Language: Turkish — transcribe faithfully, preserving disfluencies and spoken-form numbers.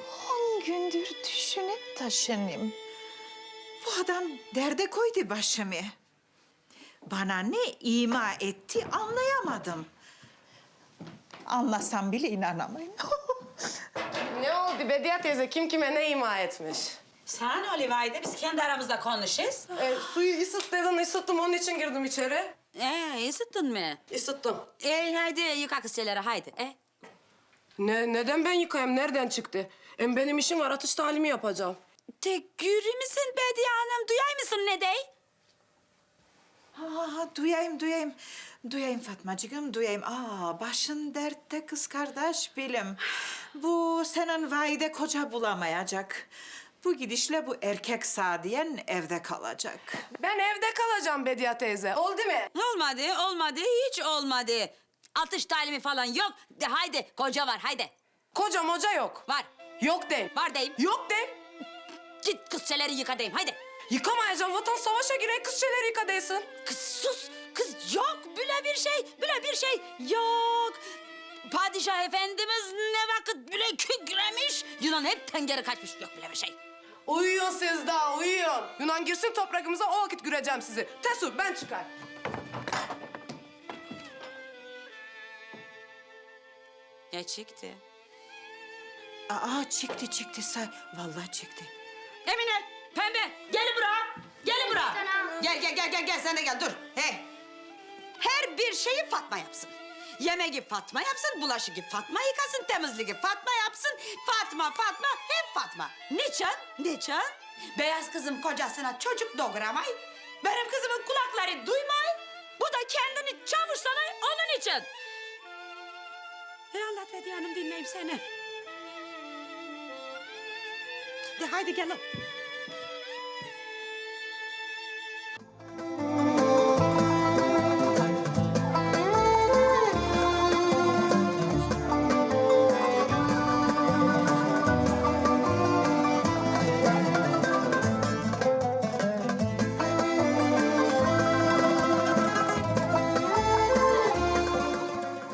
On gündür düşünüp taşınayım. Bu adam derde koydu başımı. Bana ne ima etti anlayamadım. Anlasam bile inanamayın. Ne oldu Bediye teyze? Kim kime ne ima etmiş? Sana ne oluyor Vahide? Biz kendi aramızda konuşuruz. E, suyu ısıt dedin, ısıttım. Onun için girdim içeri. Ee, ısıttın mı? Isıttım. Ee, haydi yıka kız şeyleri, haydi. Ee? Ne, neden ben yıkayayım? Nereden çıktı? Hem benim işim var, atış talimi yapacağım. Tek yürü müsün Bediye Hanım? Duyay mısın ne dey? Ha, duyayım, duyayım. Duyayım Fatmacığım, duyayım. Aa, başın dertte kız kardeş bilim. Bu senin Vahide koca bulamayacak. Bu gidişle bu erkek Sadiyen evde kalacak. Ben evde kalacağım Bediye teyze. Oldu mu? Olmadı, olmadı, hiç olmadı. Atış talimi falan yok. De, haydi, koca var, haydi. Koca moca yok. Var, Yok deyim. var deyim. Yok deyim. Git kız şeyleri yıka deyim, haydi. Yıkamayacağım. Vatan savaşa girey, kız şeyleri yıka değilsin. Kız sus, kız yok bile bir şey, bile bir şey yok. Padişah Efendimiz ne vakit bile kükremiş, Yunan hep tengeri kaçmış, yok bile bir şey. Uyuyun siz daha, uyuyun. Yunan girsin toprakımıza, o vakit göreceğim sizi. Tesur, ben çıkar. Ne çıktı? Aa, çıktı, çıktı say. Vallahi çıktı. Emine, Pembe, gelin buraya. Gelin buraya. Gel, gel, gel, gel, gel. Sen de gel, dur. He. Her bir şeyi Fatma yapsın. Yemeği Fatma yapsın, bulaşığı Fatma yıkasın, temizliği Fatma yapsın. Fatma, Fatma, hep Fatma. Niçin? Niçin? Beyaz kızım kocasına çocuk doğuramay. Benim kızımın kulakları duymay. Bu da kendini çavuş sanay onun için. E anlat Bediye Hanım, dinleyeyim seni. De haydi gelin.